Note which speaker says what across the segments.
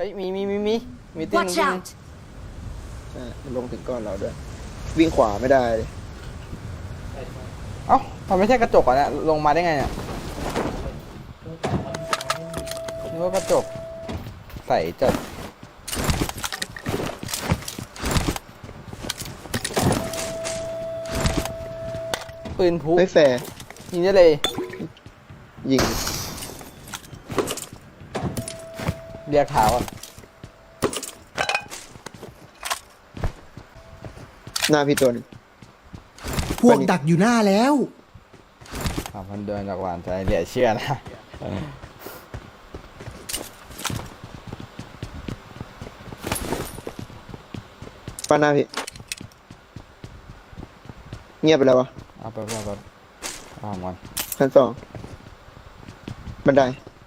Speaker 1: อ้ยมีตีน
Speaker 2: Watch out!
Speaker 3: ใช่มันลงถึงก้อนเราด้วยวิ่งขวาไม่ได้เลย
Speaker 1: เอ้ามันไม่ใช่กระจกอ่ะเนี่ยลงมาได้ไงเนี่ยนึกว่ากระจกใส่จัดปืนพุ
Speaker 3: ไม่แฟร์
Speaker 1: ยิงได้เลย
Speaker 3: ยิง
Speaker 1: เรียกขาวอ่ะ
Speaker 3: หน้าพี่ตัวหนึง
Speaker 4: พวกดักอยู่หน้าแล้ว
Speaker 1: มันเดินจากหวานใจเหลือเชื่อนะ
Speaker 3: ป้าหน้าพี่เงียบไปแล้ววะ
Speaker 1: เอาไปเอาของมัน
Speaker 3: ชั้นสองบันได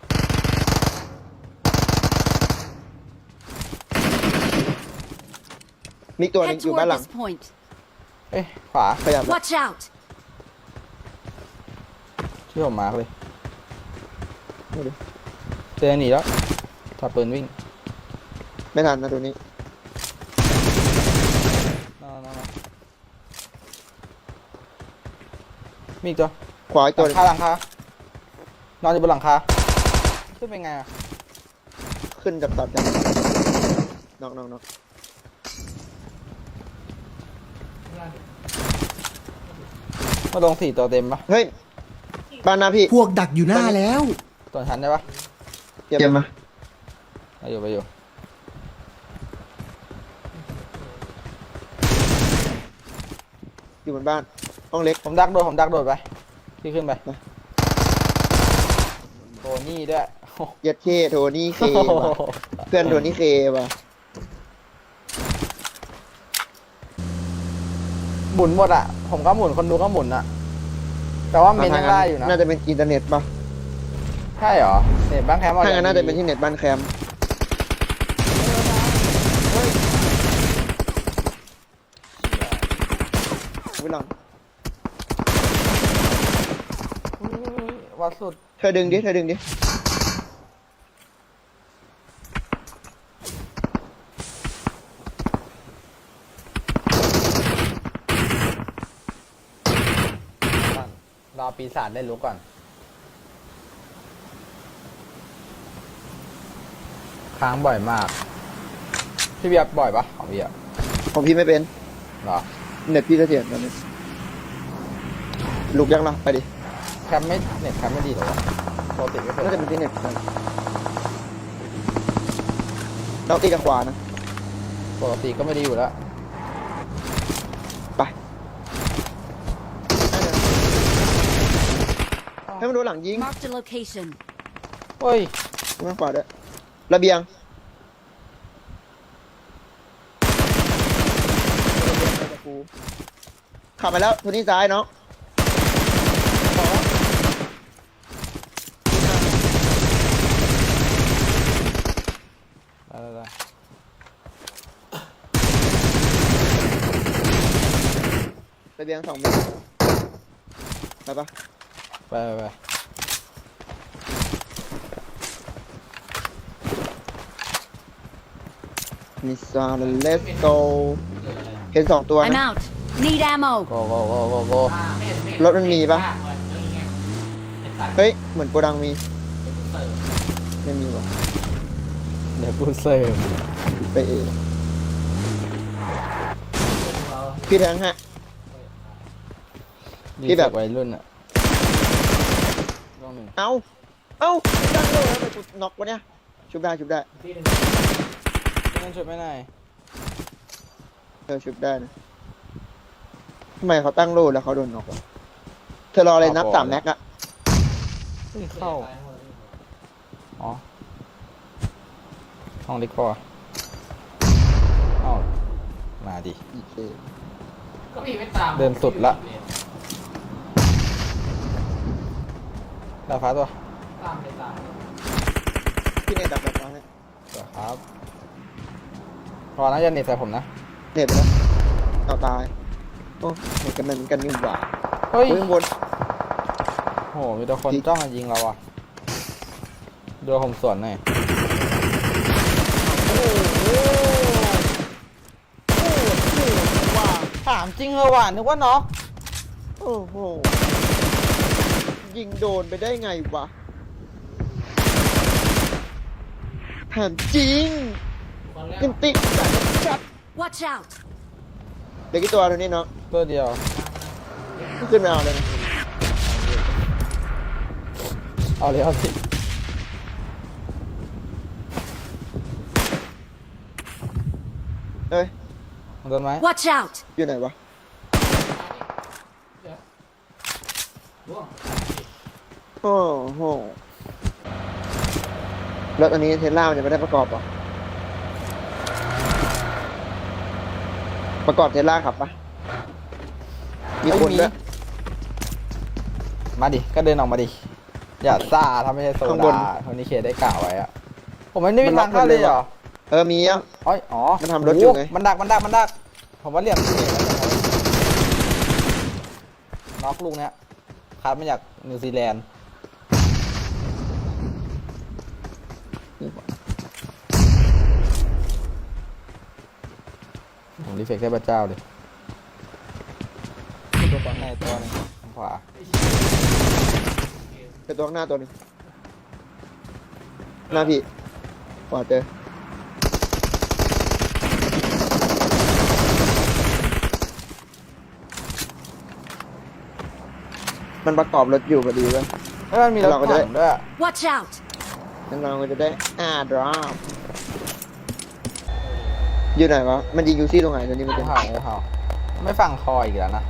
Speaker 3: มีตัวหนึง
Speaker 2: Head
Speaker 3: อยู่บ้าน
Speaker 2: toward
Speaker 3: หลัง
Speaker 2: this point.
Speaker 1: เอ้ยขวา
Speaker 3: ขยับละ
Speaker 2: Watch out!
Speaker 1: ช่วยผมมาร์กเลย
Speaker 3: ดูดิ
Speaker 1: เจอหนีแล้วถอดปืนวิ่ง
Speaker 3: ไม่ทันนะตัวนี้
Speaker 1: มีอีกตัว
Speaker 3: ขวาอีก
Speaker 1: ห
Speaker 3: ตัว
Speaker 1: ลั
Speaker 3: ห
Speaker 1: ง
Speaker 3: นึ่ง
Speaker 1: คาหลังคานอนอยู่บนหลังคาขึ้นเป็นไงอะ
Speaker 3: ขึ้นจับตัดกันน็อก
Speaker 1: มาลง4ตัวเต็มปะ
Speaker 3: เฮ้ยบ้านหน้าพี่
Speaker 4: พวกดักอยู่หน้าแล้ว
Speaker 1: ตัวชั้นได้ปะ
Speaker 3: เยี่ยมมา
Speaker 1: ไปอยู่
Speaker 3: อยู่บนบ้านห้องเล็ก
Speaker 1: ผมดักโดดไปพี่ขึ้นไปโทนี่ด้วย
Speaker 3: เย็ดเคโทนี่เคว่ะเพื่อนโทนี่เคว่ะ
Speaker 1: หมุนหมดอ่ะผมก็หมุนคนดูก็หมุนอ่ะแต่ว่าเมนยังได้อยู่นะ
Speaker 3: น่าจะเป็นอินเทอร์เน็ตป่ะ
Speaker 1: ใช่เหรอเน็ตบ้านแคมป์
Speaker 3: ถ้างั้นน่าจะเป็นที่เน็ตบ้านแคมป์วิลอน
Speaker 1: วัดสุด
Speaker 3: เธอดึงดิ
Speaker 1: รอปีศาจได้รู้ก่อนค้างบ่อยมากพี่เบียร์บ่อยปะของพี่อะ
Speaker 3: ของพี่ไม่เป็น
Speaker 1: เหรอ
Speaker 3: เน็ตพี่เสถียรตอนนี้ลุกยังล่ะไปดิ
Speaker 1: แคมไม่เน็ตแคมไม่ดีหรอวะปกติไม่เคย
Speaker 3: น่าจะเป็นที่เน็ตเราตีกับขวานะ
Speaker 1: ปกติก็ไม่ดีอยู่แล้ว
Speaker 3: ไปให้มันโดนหลังยิง
Speaker 2: Marked a location.
Speaker 1: เฮ้ย
Speaker 3: ข้างขวาด้วยระเบียงขับไปแล้วทุนนี้ซ้ายเนาะ
Speaker 1: ได้
Speaker 3: ระเบียง2 เมตรไปปะ
Speaker 1: ไป
Speaker 3: มิสซาเลสโตเห็น2 ตัว
Speaker 2: I'm
Speaker 3: นะ
Speaker 2: out. Need ammo.
Speaker 1: โก
Speaker 3: รถมันมีปะเฮ้ย เหมือนโกดังมี ไม่มีวะ
Speaker 1: เดี๋ยวกูเสิร์ฟ
Speaker 3: ไปเองพี่แทงฮะ
Speaker 1: นี่
Speaker 3: ที่แบบ
Speaker 1: วัยรุ่นอะต้องหนึ่ง
Speaker 3: เอ้าตั้งโลแล้วไปกูน็อกวะเนี่ย ชุบได้
Speaker 1: นั่นช่วยไม่ได้
Speaker 3: ชุบได้นะทำไมเขาตั้งโลแล้วเขาโดนน็อกวะเธอรออะไรนับ3 แม็กอะ
Speaker 1: เข้าอ๋อห้องเล็กพอเอ้ามาดิ
Speaker 3: โอเค
Speaker 1: เดินสุดละดาวฟ้าตัว
Speaker 3: พี่เนตดับแบบนั้น
Speaker 1: ตัวครับพอนะอย่าเน็ตใส่ผมนะ
Speaker 3: เน็ตไปแล้วเอาตาย โอ้เน็ตกันเหมือนกันนี่หว่า
Speaker 1: เฮ้ย
Speaker 3: ข้างบน
Speaker 1: โหมีแต่คนจ้องมายิงเราอ่ะดูผมสวนหน่อยจริงเหรอวะนึกว่าน็อก
Speaker 3: โอ้โหยิงโดนไปได้ไงวะถามจริงยังติดจัด
Speaker 2: Watch out!
Speaker 3: เด็กกี่ตัวตัวนี้เนาะ
Speaker 1: ตัวเดียว
Speaker 3: ขึ้นมาเอาเลยนะ
Speaker 1: เอาเลยเอาสิ
Speaker 3: เอ้ย
Speaker 1: โดนไหม
Speaker 2: Watch out!
Speaker 3: อยู่ไหนวะโอ้โหแล้วอันนี้เทสลามันจะไม่ได้ประกอบเหรอประกอบเทสลาขับปะมีคนด้วย
Speaker 1: มาดิก็เดินออกมาดิอย่าซ่าทำไม่ใช่โซ
Speaker 3: ข้างบน
Speaker 1: ดาคนนี้เคได้กล่าวไว้อะผมไม่ได้มีทางเข้าเลยเหรอ
Speaker 3: มีอ่ะ
Speaker 1: อ๋ออ๋อ
Speaker 3: มันทำรถอยู่ไง
Speaker 1: โมันดักผมว่าเหลี่ยมเขตน็อกลูกเนี้ยคัดมาจากนิวซีแลนด์ผมรีเฟกได้พระเจ้าเลยตัวก่อนในตัวหนึงทางขวา
Speaker 3: เป็นตัวข้างหน้าตัวหนึงหน้าพี่ขวาเจอมันประกอบรถอยู่พอดีเว้ย
Speaker 1: แล้วมันมีรถ
Speaker 3: เราก็จะ
Speaker 1: ถังด้วย
Speaker 2: Watch out!
Speaker 3: น้องๆก็จะได้ดรอปอยู่ไหนวะ มันยิงยูซี่ตรงไหนตัวนี้มัน
Speaker 1: ไม่
Speaker 3: จะ
Speaker 1: เผาไม่เผาไม่ฟังคออีกแล้วนะ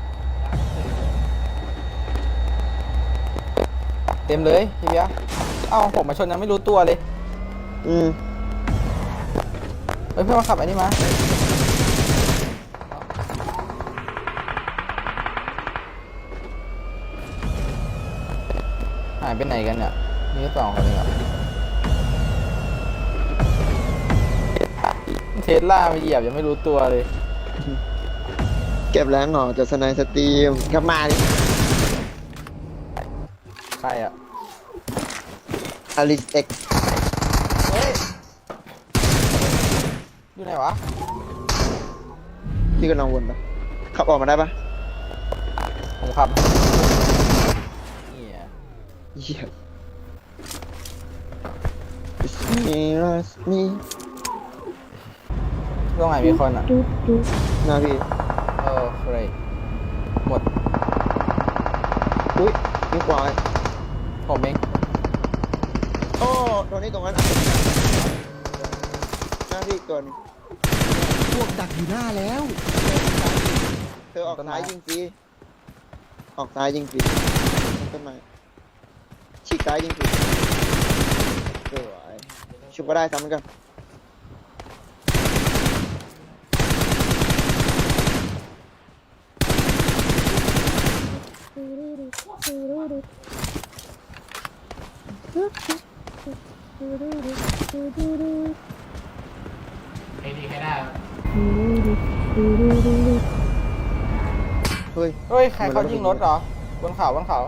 Speaker 1: เต็มเลยพี่เบียร์เอ้าผมมาชนยังไม่รู้ตัวเลย
Speaker 3: อืม
Speaker 1: เฮ้ยเพื่อนมาขับไอ้นี่มาหายไปไหนกันเนี่ยมีแค่สองคนเองเหรอเทสลามาเหยียบยังไม่รู้ตัวเลย
Speaker 3: เก็บแรงหน่อจากสไนสตรีมกลับมาดิ
Speaker 1: ใครอ่ะ
Speaker 3: อลิสเอ็ก
Speaker 1: เฮ้ยอยู่ไหนวะ
Speaker 3: ที่กำลังวนปะขับออกมาได้ปะ
Speaker 1: ผมขับนี่อ่ะ
Speaker 3: เหี้ย It's me, it's me
Speaker 1: ตรงไหนมีคนอ่ะ
Speaker 3: หน้าพี่
Speaker 1: เฟรย์หมด
Speaker 3: อุ้ยมีขวา
Speaker 1: ผมเอง
Speaker 3: โอ้ตรงนี้ตรงนั้นหน้าพี่อีกตัวหนึง
Speaker 4: พวกดักอยู่หน้าแล้ว
Speaker 3: เธอออกซ้ายยิงฟรีออกซ้ายยิงฟรีต้นไม้ฉีกซ้ายยิงฟรีสวยชุบก็ได้ซ้ำเหมือนกันเฮ้ย
Speaker 1: เฮ้ย ใครเขายิงรถเหรอ บนเขาบนเขา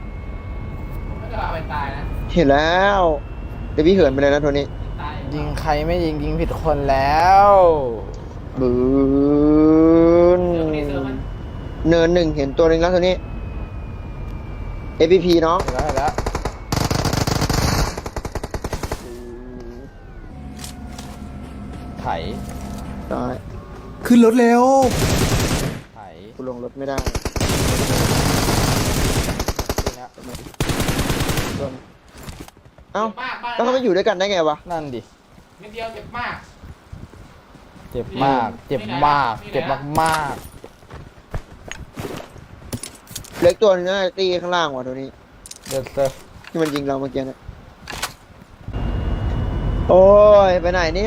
Speaker 3: เห็นแล้วเดี๋ยวพี่เหินไปเลยนะโทนี้
Speaker 1: ยิงใครไม่ยิงยิงผิดคนแล้ว
Speaker 3: บืนเนินหนึ่งเห็นตัวหนึ่งแล้วโทนี้ APP เนาะ
Speaker 1: เห็นแล้วเห็นแล้วไถ
Speaker 3: ตาย
Speaker 4: ขึ้นรถเร็ว
Speaker 1: ไถ
Speaker 3: กูลงรถไม่ได้
Speaker 1: ตัวเนี้ย
Speaker 3: เอ้าแล้วเขาไปอยู่ด้วยกันได้ไงวะ
Speaker 1: นั่นดิ
Speaker 5: นิดเดียวเจ็บมาก
Speaker 1: เจ็บมาก เจ็บมาก เจ็บมาก
Speaker 3: เล็กตัวหนึงนะตีข้างล่างว่ะตัวนี้
Speaker 1: ๆเดือดเซอร์
Speaker 3: ที่มันยิงเราเมื่อกี้นะโอ้ย ไปไหนเนี่ย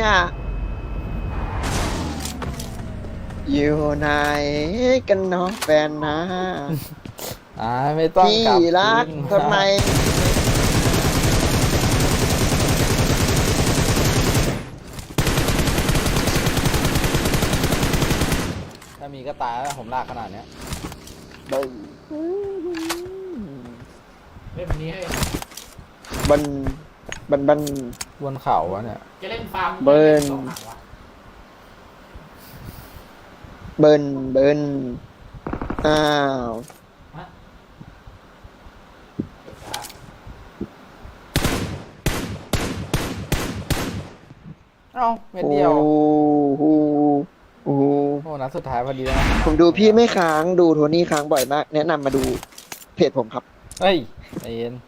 Speaker 3: อยู่ไหนกันเนาะแฟนนะ
Speaker 1: ไม่ต้อง
Speaker 3: พี่
Speaker 1: กลับ
Speaker 3: รัก
Speaker 1: คืน
Speaker 3: ทำไม
Speaker 1: ถ้ามีก็ตายแล้วผมลากขนาดเนี้ย
Speaker 5: เล่นแบบนี้ให้
Speaker 3: บัน
Speaker 1: บนเขาวะเนี่ย
Speaker 5: จะเล่นฟาร์ม
Speaker 3: เบิร์น
Speaker 5: สองหางวะ
Speaker 3: เบิร์นอ้าว
Speaker 1: เอ้าเม็ดเดียว
Speaker 3: โอ้โหโอ้โห
Speaker 1: โอ้นัดสุดท้ายพอดีแล้วนะ
Speaker 3: ผมดูพี่ไม่ค้างดูโทนี่ค้างบ่อยมาก แนะนำมาดูเพจผมครับ
Speaker 1: เฮ้ยใจเย็น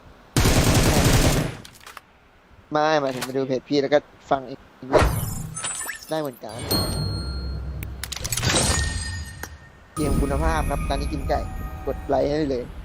Speaker 3: ไม่หมายถึงมาดูเพจพี่แล้วก็ฟังอีกเรื่องได้เหมือนกันเกมคุณภาพครับตอนนี้กินไก่กดไลค์ให้เลย